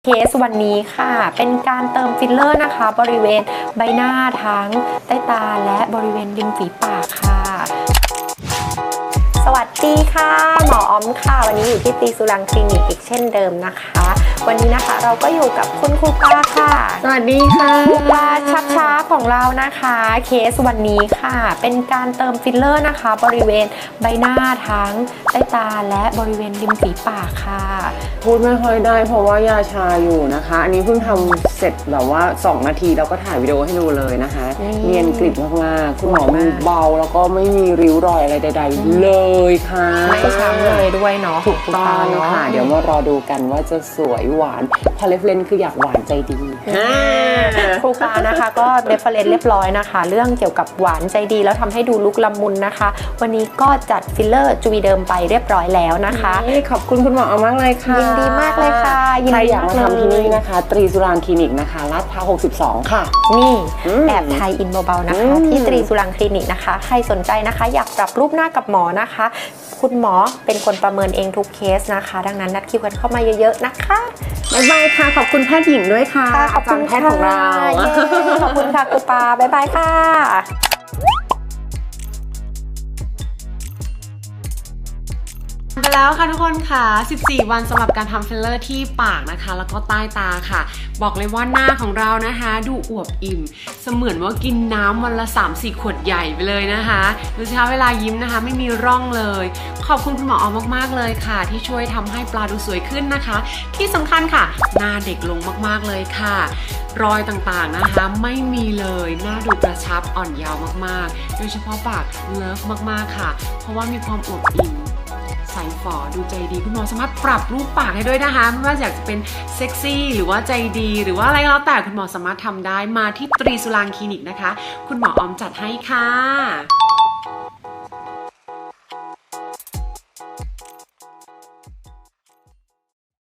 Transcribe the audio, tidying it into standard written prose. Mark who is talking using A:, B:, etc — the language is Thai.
A: เคสวันนี้ค่ะเป็นการเติมฟิลเลอร์นะคะบริเวณใบหน้าทั้งใต้ตาและบริเวณริมฝีปากค่ะสวัสดีค่ะหมอออมค่ะวันนี้อยู่ที่ตรีสุรังคลินิกอีกเช่นเดิมนะคะวันนี้นะคะเราก็อยู่กับคุณครูปาค่ะ
B: สวัสดีค่ะ
A: ครูปาชักช้าของเรานะคะเคสวันนี้ค่ะเป็นการเติมฟิลเลอร์นะคะบริเวณใบหน้าทั้งใต้ตาและบริเวณริมฝีปากค่ะ
B: พูดไม่ค่อยได้เพราะว่ายาชาอยู่นะคะอันนี้เพิ่งทำเสร็จแบบว่า2 นาทีแล้วก็ถ่ายวิดีโอให้ดูเลยนะคะเนียนกริบมากๆคุณหมอมือเบาแล้วก็ไม่มีริ้วรอยอะไรใดๆเลยค่ะ
A: ไม่ช้ำเลยด้วยเนาะ
B: ถูกต้องค่ะเดี๋ยวมารอดูกันว่าจะสวยหวานพอเรฟเลนคืออยากหวานใจดี
A: ครูปานะคะก็เรฟเฟรนซ์เรียบร้อยนะคะเรื่องเกี่ยวกับหวานใจดีแล้วทำให้ดูลุกละมุนนะคะวันนี้ก็จัดฟิลเลอร์จูวีเดิมไปเรียบร้อยแล้วนะคะ
B: ขอบคุณคุณหมอมากเลยค่ะ
A: ยินดีมากเลยค่ะ
B: ใครอยากมาทำที่นี่นะคะตรีสุรางคลินิกนะคะลาดพร้าว62ค่ะ
A: นี่แอบไทยอินเบาๆนะคะที่ตรีสุรางคลินิกนะคะใครสนใจนะคะอยากปรับรูปหน้ากับหมอนะคะคุณหมอเป็นคนประเมินเองทุกเคสนะคะดังนั้นนัดคิวกันเข้ามาเยอะๆนะคะ
B: บ๊ายบายค่ะขอบคุณแพทย์หญิงด้วยค่ะ
A: ขอบคุณแพทย์ของเราขอบคุณค่ะครูปาบ๊ายบายค่ะ
C: ไปแล้วค่ะทุกคนค่ะ14 วันสำหรับการทำฟิลเลอร์ที่ปากนะคะแล้วก็ใต้ตาค่ะบอกเลยว่าหน้าของเรานะคะดูอวบอิ่มเสมือนว่ากินน้ำวันละ 3-4 ขวดใหญ่ไปเลยนะคะดูสิคะเวลายิ้มนะคะไม่มีร่องเลยขอบคุณคุณหมอออมมากๆเลยค่ะที่ช่วยทำให้ปลาดูสวยขึ้นนะคะที่สำคัญค่ะหน้าเด็กลงมากๆเลยค่ะรอยต่างๆนะคะไม่มีเลยหน้าดูกระชับอ่อนเยาว์มากๆโดยเฉพาะปากเลิฟมากๆค่ะเพราะว่ามีความอวบอิ่มใสฝอดูใจดีคุณหมอสามารถปรับรูปปากให้ด้วยนะคะไม่ว่าอยากจะเป็นเซ็กซี่หรือว่าใจดีหรือว่าอะไรก็แล้วแต่คุณหมอสามารถทำได้มาที่ตรีสุรางคลินิกนะคะคุณหมอออมจัดให้ค่ะ